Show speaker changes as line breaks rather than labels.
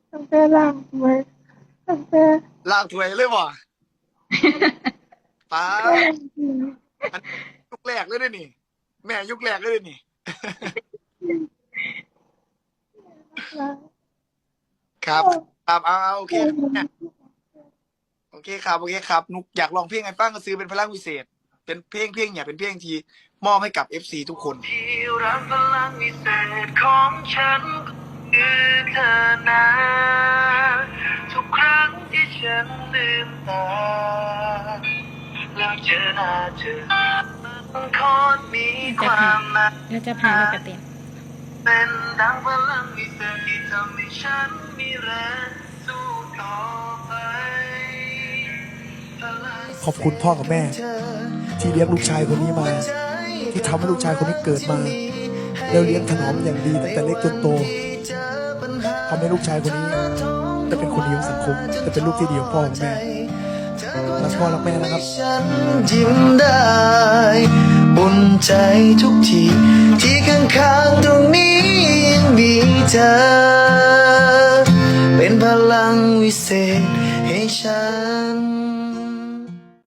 ตั้งแต่ล่างไว้ตั้งแต่
ลากถวยเลยว่ะป้า
ก็
ด
ยังดี
อันยุคแรกเลยด้วยนี่แม่ยุคแรกเลยด้วยนี่
รัก
ครับ
ก็
ครับเอาโอเค
เคยเห็น
โอเคครับโอเคครับนุกอยากลองเพลงไอ้ฟังก็ซื้อเป็นพลังวิเศษเป็นเพลงเนี่ยเป็นเพลงที่มอบให้กับ FC ทุกคนที่รักพลังวิเศษของฉันคือเธอนะทุกครั้งที่ฉันลืมตาแล้วเจอหน้าเธอมันโคตรมีความหมาย
เราจะผ่านเราจะเต็ม
เป็นดังพลังวิเศษที่ทำให้ฉันมีแรงสู้ต่อไป
ขอบคุณพ่อกับแม่ที่เลี้ยงลูกชายคนนี้มาที่ทำให้ลูกชายคนนี้เกิดมาแล้วเลี้ยงถนอมอย่างดีตั้งแต่เล็กจนโตทำให้ลูกชายคนนี้ได้เป็นคนดีของสังคมจะเป็นลูกที่ดีของพ่อของแม่รักพ่อรักแม่นะครับ
ฉันยิ้มได้อุ่นใจทุกทีที่ข้างๆตรงนี้ยังมีเธอเป็นพลังวิเศษให้ฉัน